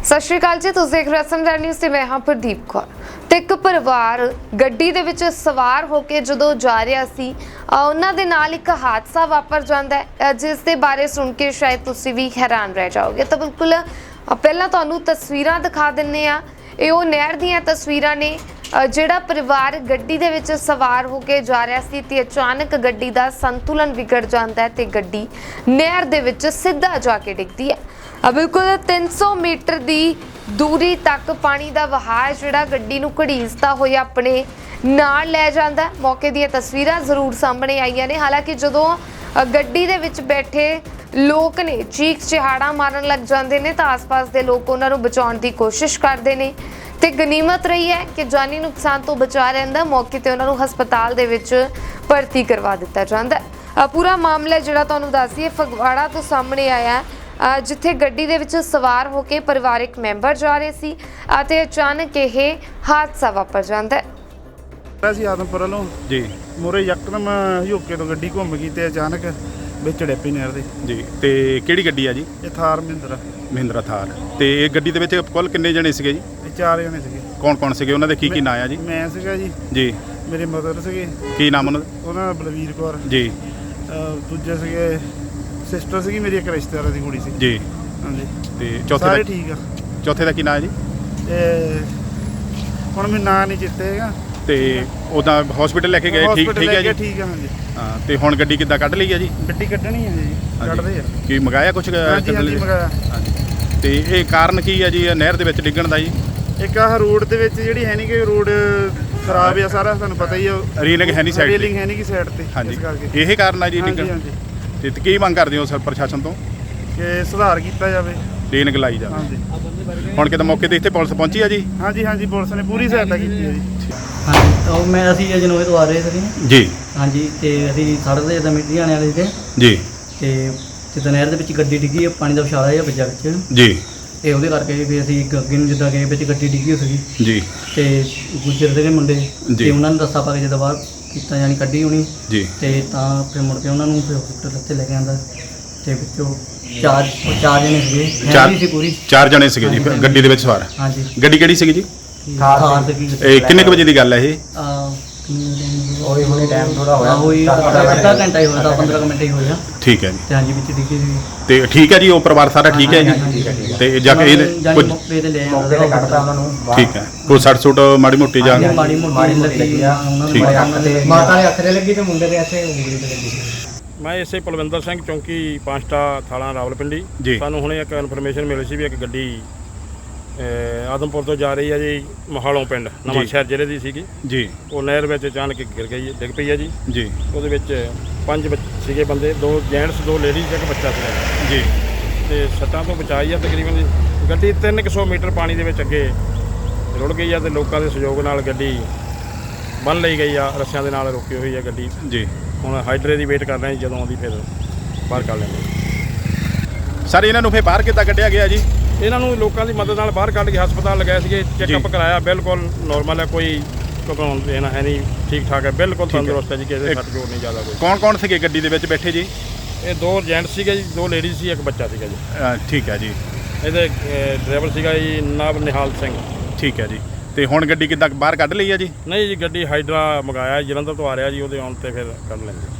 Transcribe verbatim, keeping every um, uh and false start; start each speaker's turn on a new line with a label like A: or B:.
A: ਸਤਿ ਸ਼੍ਰੀ ਅਕਾਲ ਜੀ, ਤੁਸੀਂ ਦੇਖ ਰਹੇ ਹੋ ਸਮਝਾ ਨਿਊਜ਼ ਤੇ ਮੈਂ ਹਾਂ ਪ੍ਰਦੀਪ ਕੌਰ। ਤੇ ਇੱਕ ਪਰਿਵਾਰ ਗੱਡੀ ਦੇ ਵਿੱਚ ਸਵਾਰ ਹੋ ਕੇ ਜਦੋਂ ਜਾ ਰਿਹਾ ਸੀ, ਉਹਨਾਂ ਦੇ ਨਾਲ ਇੱਕ ਹਾਦਸਾ ਵਾਪਰ ਜਾਂਦਾ ਹੈ, ਜਿਸ ਦੇ ਬਾਰੇ ਸੁਣ ਕੇ ਸ਼ਾਇਦ ਤੁਸੀਂ ਵੀ ਹੈਰਾਨ ਰਹਿ ਜਾਓਗੇ। ਤਾਂ ਬਿਲਕੁਲ ਪਹਿਲਾਂ ਤੁਹਾਨੂੰ ਤਸਵੀਰਾਂ ਦਿਖਾ ਦਿੰਨੇ ਆ। ਇਹ ਉਹ ਨਹਿਰ ਦੀਆਂ ਤਸਵੀਰਾਂ ਨੇ। ਜਿਹੜਾ ਪਰਿਵਾਰ ਗੱਡੀ ਦੇ ਵਿੱਚ ਸਵਾਰ ਹੋ ਕੇ ਜਾ ਰਿਹਾ ਸੀ ਤੇ ਅਚਾਨਕ ਗੱਡੀ ਦਾ ਸੰਤੁਲਨ ਵਿਗੜ ਜਾਂਦਾ ਹੈ ਤੇ ਗੱਡੀ ਨਹਿਰ ਦੇ ਵਿੱਚ ਸਿੱਧਾ ਜਾ ਕੇ ਡਿੱਗਦੀ ਹੈ। ਬਿਲਕੁਲ ਤਿੰਨ ਸੌ ਮੀਟਰ ਦੀ ਦੂਰੀ ਤੱਕ ਪਾਣੀ ਦਾ ਵਹਾਅ ਜਿਹੜਾ ਗੱਡੀ ਨੂੰ ਘੜੀਸਦਾ ਹੋਇਆ ਆਪਣੇ ਨਾਲ ਲੈ ਜਾਂਦਾ ਹੈ। ਮੌਕੇ ਦੀਆਂ ਤਸਵੀਰਾਂ ਜ਼ਰੂਰ ਸਾਹਮਣੇ ਆਈਆਂ ਨੇ। ਹਾਲਾਂਕਿ ਜਦੋਂ ਗੱਡੀ ਦੇ ਵਿੱਚ ਬੈਠੇ ਲੋਕ ਨੇ ਚੀਕ ਚਿਹਾੜਾ ਮਾਰਨ ਲੱਗ ਜਾਂਦੇ ਨੇ ਤਾਂ ਆਸ-ਪਾਸ ਦੇ ਲੋਕ ਉਹਨਾਂ ਨੂੰ ਬਚਾਉਣ ਦੀ ਕੋਸ਼ਿਸ਼ ਕਰਦੇ ਨੇ ਤੇ ਗਨੀਮਤ ਰਹੀ ਹੈ ਕਿ ਜਾਨੀ ਨੁਕਸਾਨ ਤੋਂ ਬਚਾ ਰਹਿੰਦਾ। ਮੌਕੇ ਤੇ ਉਹਨਾਂ ਨੂੰ ਹਸਪਤਾਲ ਦੇ ਵਿੱਚ ਭਰਤੀ ਕਰਵਾ ਦਿੱਤਾ ਜਾਂਦਾ ਹੈ। ਪੂਰਾ ਮਾਮਲਾ ਜਿਹੜਾ ਤੁਹਾਨੂੰ ਦੱਸ ਦਈਏ ਫਗਵਾੜਾ ਤੋਂ ਸਾਹਮਣੇ ਆਇਆ, ਜਿੱਥੇ ਗੱਡੀ ਦੇ ਵਿੱਚ ਸਵਾਰ ਹੋ ਕੇ ਪਰਿਵਾਰਕ ਮੈਂਬਰ ਜਾ ਰਹੇ ਸੀ ਅਤੇ ਅਚਾਨਕ ਇਹ ਹਾਦਸਾ ਵਾਪਰ ਜਾਂਦਾ ਹੈ।
B: ਅਸੀਂ ਆਦਮਪੁਰ ਵੱਲੋਂ
C: ਜੀ
B: ਮੋਰੇ ਯਕਦਮ ਹਯੋਕੇ ਤੋਂ ਗੱਡੀ ਘੁੰਮ ਗਈ ਤੇ ਅਚਾਨਕ ਵਿੱਚ ਡਿੱਪੀ ਨਹਿਰ ਦੇ।
C: ਜੀ ਤੇ ਕਿਹੜੀ ਗੱਡੀ ਆ ਜੀ?
B: ਇਹ ਥਾਰ ਮਹਿੰਦਰਾ
C: ਮਹਿੰਦਰਾ ਥਾਰ। ਤੇ ਇਹ ਗੱਡੀ ਦੇ ਵਿੱਚ ਕੁੱਲ ਕਿੰਨੇ ਜਣੇ ਸੀਗੇ ਜੀ?
B: ਇਹ ਚਾਰ ਜਣੇ ਸੀਗੇ।
C: ਕੌਣ ਕੌਣ ਸੀਗੇ? ਉਹਨਾਂ ਦੇ ਕੀ ਕੀ ਨਾਂ ਆ ਜੀ?
B: ਮੈਂ ਸੀਗਾ ਜੀ,
C: ਜੀ
B: ਮੇਰੇ ਮਦਰ ਸੀਗੇ।
C: ਕੀ ਨਾਮ ਉਹਨਾਂ ਦਾ?
B: ਉਹਨਾਂ ਦਾ ਬਲਵੀਰ ਕੌਰ
C: ਜੀ।
B: ਅਹ ਦੂਜੇ ਸੀਗੇ ਸਿਸਟਰ ਸੀਗੀ ਮੇਰੀ, ਇੱਕ ਰਿਸ਼ਤੇਦਾਰਾਂ ਦੀ ਕੁੜੀ ਸੀ
C: ਜੀ।
B: ਹਾਂਜੀ।
C: ਤੇ ਚੌਥੇ
B: ਸਾਰੇ
C: ਦਾ
B: ਠੀਕ ਆ।
C: ਚੌਥੇ ਦਾ ਕੀ ਨਾਂ ਹੈ ਜੀ?
B: ਤੇ ਹੁਣ ਮੈਨੂੰ ਨਾਂ ਨਹੀਂ ਚੇਤੇ ਹੈਗਾ।
C: ਤੇ ਉਹਦਾ ਹਸਪੀਟਲ ਲੈ ਕੇ ਗਏ? ਠੀਕ ਠੀਕ ਹੈ ਜੀ।
B: ਠੀਕ ਆ। ਹਾਂਜੀ।
C: ਹਾਂ ਤੇ ਹੁਣ ਗੱਡੀ ਕਿੱਦਾਂ ਕੱਢ ਲਈ ਹੈ ਜੀ?
B: ਗੱਡੀ ਕੱਢਣੀ ਹੈ ਜੀ, ਕੱਢਦੇ ਆ।
C: ਕੀ ਮੰਗਾਇਆ ਕੁਝ?
B: ਹਾਂਜੀ ਹਾਂਜੀ ਮੰਗਾਇਆ।
C: ਤੇ ਇਹ ਕਾਰਨ ਕੀ ਹੈ ਜੀ ਨਹਿਰ ਦੇ ਵਿੱਚ ਡਿੱਗਣ ਦਾ ਜੀ?
B: ਇੱਕ ਆਹ ਰੋਡ ਦੇ ਵਿੱਚ ਜਿਹੜੀ ਹੈ ਨਹੀਂ ਕਿ ਰੋਡ ਖਰਾਬ ਆ ਸਾਰਾ, ਤੁਹਾਨੂੰ ਪਤਾ ਹੀ ਆ।
C: ਰੇਲਿੰਗ ਹੈ ਨਹੀਂ ਸਾਈਡ ਤੇ।
B: ਰੇਲਿੰਗ ਹੈ ਨਹੀਂ ਕਿ ਸਾਈਡ ਤੇ।
C: ਹਾਂਜੀ, ਇਹ ਕਾਰਨ ਹੈ ਜੀ ਡਿੱਗਣ।
B: ਹਾਂਜੀ।
C: ਤੇ ਕੀ ਮੰਗ ਕਰਦੇ ਹੋ ਸਰ ਪ੍ਰਸ਼ਾਸਨ ਤੋਂ?
B: ਕਿ ਸੁਧਾਰ ਕੀਤਾ ਜਾਵੇ,
C: ਰੇਲਿੰਗ ਲਾਈ ਜਾਵੇ।
B: ਹਾਂਜੀ।
C: ਹੁਣ ਕਿਤੇ ਮੌਕੇ ਤੇ ਇੱਥੇ ਪੁਲਿਸ ਪਹੁੰਚੀ ਆ ਜੀ?
B: ਹਾਂਜੀ ਹਾਂਜੀ, ਪੁਲਿਸ ਨੇ ਪੂਰੀ ਸਹਾਇਤਾ ਕੀਤੀ ਹੈ ਜੀ।
D: ਹਾਂਜੀ, ਉਹ ਮੈਂ ਅਸੀਂ ਅਜਨੋਏ ਤੋਂ ਆ ਰਹੇ ਸੀ
C: ਜੀ।
D: ਹਾਂਜੀ, ਤੇ ਅਸੀਂ ਸੜਕ ਦੇ ਜਿੱਦਾਂ ਮਿੱਟੀ ਆਣੇ ਵਾਲੇ ਸੀ
C: ਜੀ।
D: ਤੇ ਜਿੱਦਾਂ ਨਹਿਰ ਦੇ ਵਿੱਚ ਗੱਡੀ ਡਿੱਗੀ ਹੈ, ਪਾਣੀ ਦਾ ਵਿਛਾਲਾ ਜਿਹਾ ਵੱਜਾ ਵਿੱਚ
C: ਜੀ।
D: ਤੇ ਉਹਦੇ ਕਰਕੇ ਫਿਰ ਅਸੀਂ ਅੱਗੇ ਨੂੰ ਜਿੱਦਾਂ ਗਏ ਵਿੱਚ ਗੱਡੀ ਡਿੱਗੀ ਹੋ ਸੀਗੀ
C: ਜੀ।
D: ਤੇ ਗੁੱਜਰ ਦੇ ਮੁੰਡੇ
C: ਜੀ।
D: ਤੇ ਉਹਨਾਂ ਨੂੰ ਦੱਸਾ ਪਾ ਕੇ ਜਦੋਂ ਬਾਹਰ ਕੀਤਾ ਜਾਣੀ ਕੱਢੀ ਹੋਣੀ
C: ਜੀ।
D: ਤੇ ਤਾਂ ਫਿਰ ਮੁੜ ਕੇ ਉਹਨਾਂ ਨੂੰ ਫਿਰ ਹਸਪੀਟਲ ਉੱਤੇ ਲੈ ਕੇ ਆਂਦਾ ਤੇ ਵਿੱਚੋਂ ਚਾਰ ਉਹ ਚਾਰ ਜਣੇ ਸੀਗੇ, ਫੈਮਿਲੀ ਸੀ ਪੂਰੀ।
C: ਚਾਰ ਜਣੇ ਸੀਗੇ ਜੀ ਗੱਡੀ ਦੇ ਵਿੱਚ ਸਵਾਰ?
D: ਹਾਂਜੀ।
C: ਗੱਡੀ ਕਿਹੜੀ ਸੀਗੀ ਜੀ?
D: ਥਾਰ ਸੀਗੀ।
C: ਇਹ ਕਿੰਨੇ ਕੁ ਵਜੇ ਦੀ ਗੱਲ ਹੈ ਇਹ?
D: ਉਹੀ ਹੁਣੇ ਟਾਈਮ ਥੋੜਾ ਹੋਇਆ, ਉਹੀ ਅੱਧਾ ਘੰਟਾ ਹੀ ਹੋਇਆ, ਦਸ ਪੰਦਰਾਂ ਮਿੰਟ ਹੀ ਹੋਇਆ।
C: ਠੀਕ ਹੈ ਜੀ।
D: ਤੇ ਹਾਂਜੀ ਵਿੱਚ ਡਿੱਗੀ ਸੀ।
C: ਤੇ ਠੀਕ ਹੈ ਜੀ, ਉਹ ਪਰਿਵਾਰ ਸਾਰਾ ਠੀਕ ਹੈ ਜੀ? ਤੇ ਜਾ ਕੇ ਇਹ ਕੁਝ
D: ਮੌਕੇ ਤੇ ਲੈ ਮੌਕੇ ਤੇ ਕੱਢਤਾ ਉਹਨਾਂ ਨੂੰ।
C: ਠੀਕ ਹੈ, ਕੋਈ ਸੱਟ ਸੁੱਟ ਮਾੜੀ ਮੋਟੀ ਜਾਂ?
D: ਮਾੜੀ ਮੋਟੀ ਲੱਗੀ ਆ ਉਹਨਾਂ
C: ਠੀਕ
D: ਦੇ, ਮਾਤਾ ਦੇ ਹੱਥ ਤੇ ਲੱਗੀ ਤੇ ਮੁੰਡੇ ਦੇ ਇੱਥੇ ਉਂਗਲੀ ਤੇ ਲੱਗੀ।
E: ਮੈਂ ਇਸੇ ਪਲਵਿੰਦਰ ਸਿੰਘ, ਚੌਂਕੀ ਪਾਂਚਟਾ, ਥਾਣਾ ਰਾਵਲਪਿੰਡੀ।
C: ਜੀ।
E: ਸਾਨੂੰ ਹੁਣੇ ਇੱਕ ਇਨਫੋਰਮੇਸ਼ਨ ਮਿਲੀ ਸੀ ਵੀ ਇੱਕ ਗੱਡੀ ਆਦਮਪੁਰ ਤੋਂ ਜਾ ਰਹੀ ਹੈ ਜੀ ਮਹਾਲੋਂ ਪਿੰਡ, ਨਵਾਂ ਸ਼ਹਿਰ ਜ਼ਿਲ੍ਹੇ ਦੀ ਸੀਗੀ
C: ਜੀ।
E: ਉਹ ਨਹਿਰ ਵਿੱਚ ਅਚਾਨਕ ਗਿਰ ਗਈ, ਡਿੱਗ ਪਈ ਹੈ ਜੀ।
C: ਜੀ।
E: ਉਹਦੇ ਵਿੱਚ ਪੰਜ ਸੀਗੇ ਬੰਦੇ, ਦੋ ਜੈਂਟਸ, ਦੋ ਲੇਡੀਜ਼, ਇੱਕ ਬੱਚਾ ਸੀਗਾ
C: ਜੀ।
E: ਤੇ ਸੱਟਾਂ ਤੋਂ ਬਚਾਈ ਆ ਤਕਰੀਬਨ ਜੀ। ਗੱਡੀ ਤਿੰਨ ਕੁ ਸੌ ਮੀਟਰ ਪਾਣੀ ਦੇ ਵਿੱਚ ਅੱਗੇ ਰੁੜ ਗਈ ਆ ਤੇ ਲੋਕਾਂ ਦੇ ਸਹਿਯੋਗ ਨਾਲ ਗੱਡੀ ਬੰਨ੍ਹ ਲਈ ਗਈ ਆ, ਰੱਸਿਆਂ ਦੇ ਨਾਲ ਰੋਕੀ ਹੋਈ ਆ ਗੱਡੀ।
C: ਜੀ। ਹੁਣ
E: ਹਾਈਡਰੇ ਦੀ ਵੇਟ ਕਰ ਰਹੇ ਹਾਂ, ਜਦੋਂ ਆਉਂਦੀ ਫਿਰ ਬਾਹਰ ਕੱਢ ਲੈਂਦੇ।
C: ਸਰ ਇਹਨਾਂ ਨੂੰ ਫਿਰ ਬਾਹਰ ਕਿੱਦਾਂ ਕੱਢਿਆ ਗਿਆ ਜੀ?
E: ਇਹਨਾਂ ਨੂੰ ਲੋਕਾਂ ਦੀ ਮਦਦ ਨਾਲ ਬਾਹਰ ਕੱਢ ਕੇ ਹਸਪਤਾਲ ਲਗਾਏ ਸੀਗੇ, ਚੈੱਕਅਪ ਕਰਾਇਆ, ਬਿਲਕੁਲ ਨੋਰਮਲ ਹੈ, ਕੋਈ ਘਬਰਾਉਣ ਦੇਣਾ ਹੈ ਨਹੀਂ, ਠੀਕ ਠਾਕ ਹੈ, ਬਿਲਕੁਲ ਤੰਦਰੁਸਤ ਹੈ ਜੀ, ਕਿਸੇ ਦੇ ਸੱਟ ਚੋਟ ਨਹੀਂ ਜ਼ਿਆਦਾ ਕੋਈ।
C: ਕੌਣ ਕੌਣ ਸੀਗੇ ਗੱਡੀ ਦੇ ਵਿੱਚ ਬੈਠੇ ਜੀ?
E: ਇਹ ਦੋ ਜੈਂਟਸ ਸੀਗੇ ਜੀ, ਦੋ ਲੇਡੀਜ਼ ਸੀ, ਇੱਕ ਬੱਚਾ ਸੀਗਾ ਜੀ।
C: ਠੀਕ ਹੈ ਜੀ।
E: ਇਹਦੇ ਡਰਾਈਵਰ ਸੀਗਾ ਜੀ ਨਾਬ ਨਿਹਾਲ ਸਿੰਘ।
C: ਠੀਕ ਹੈ ਜੀ। ਤੇ ਹੁਣ ਗੱਡੀ ਕਿੱਦਾਂ ਬਾਹਰ ਕੱਢ ਲਈ ਆ ਜੀ?
E: ਨਹੀਂ ਜੀ, ਗੱਡੀ ਹਾਈਡਰਾ ਮੰਗਾਇਆ, ਜਲੰਧਰ ਤੋਂ ਆ ਰਿਹਾ ਜੀ, ਉਹਦੇ ਆਉਣ 'ਤੇ ਫਿਰ ਕੱਢ ਲੈਂਦੇ।